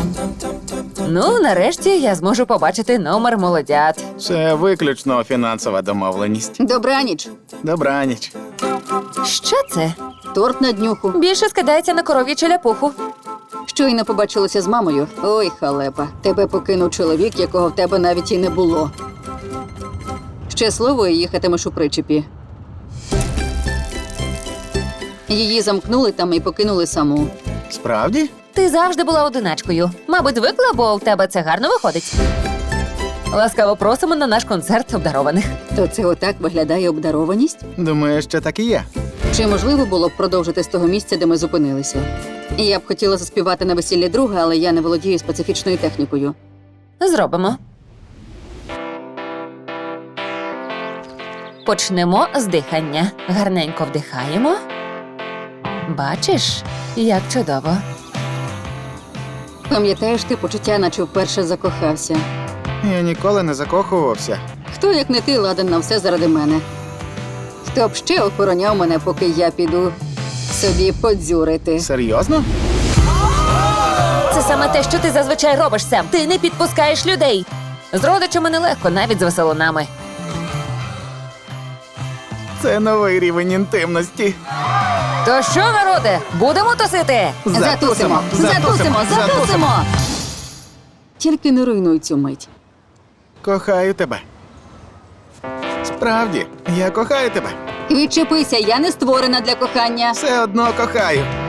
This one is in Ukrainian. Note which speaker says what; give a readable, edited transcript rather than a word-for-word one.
Speaker 1: Ну, нарешті я зможу побачити номер молодят.
Speaker 2: Це виключно фінансова домовленість.
Speaker 3: Добраніч.
Speaker 2: Добраніч.
Speaker 1: Що це?
Speaker 3: Торт на днюху.
Speaker 1: Більше скидається на коров'ячу ляпуху.
Speaker 3: Щойно побачилася з мамою. Ой, халепа. Тебе покинув чоловік, якого в тебе навіть і не було. Щасливо їхатимеш у причепі. Її замкнули там і покинули саму.
Speaker 2: Справді?
Speaker 1: Ти завжди була одиначкою. Мабуть, звикла, бо в тебе це гарно виходить. Ласкаво просимо на наш концерт обдарованих.
Speaker 3: То це отак виглядає обдарованість?
Speaker 2: Думаю, що так і є.
Speaker 3: Чи можливо було б продовжити з того місця, де ми зупинилися? Я б хотіла заспівати на весіллі друга, але я не володію специфічною технікою.
Speaker 1: Зробимо. Почнемо з дихання. Гарненько вдихаємо. Бачиш, як чудово.
Speaker 3: Пам'ятаєш ти почуття, наче вперше закохався?
Speaker 2: Я ніколи не закохувався.
Speaker 3: Хто, як не ти, ладен на все заради мене? Хто б ще охороняв мене, поки я піду собі подзюрити?
Speaker 2: Серйозно?
Speaker 1: Це саме те, що ти зазвичай робиш, Сем. Ти не підпускаєш людей. З родичами нелегко, навіть з веселунами.
Speaker 2: Це новий рівень інтимності.
Speaker 1: То що, народе, будемо тусити?
Speaker 3: Затусимо! Затусимо! Затусимо! Тільки не руйнуй цю мить.
Speaker 2: Кохаю тебе. Справді, я кохаю тебе.
Speaker 3: Відчепися, я не створена для кохання.
Speaker 2: Все одно кохаю.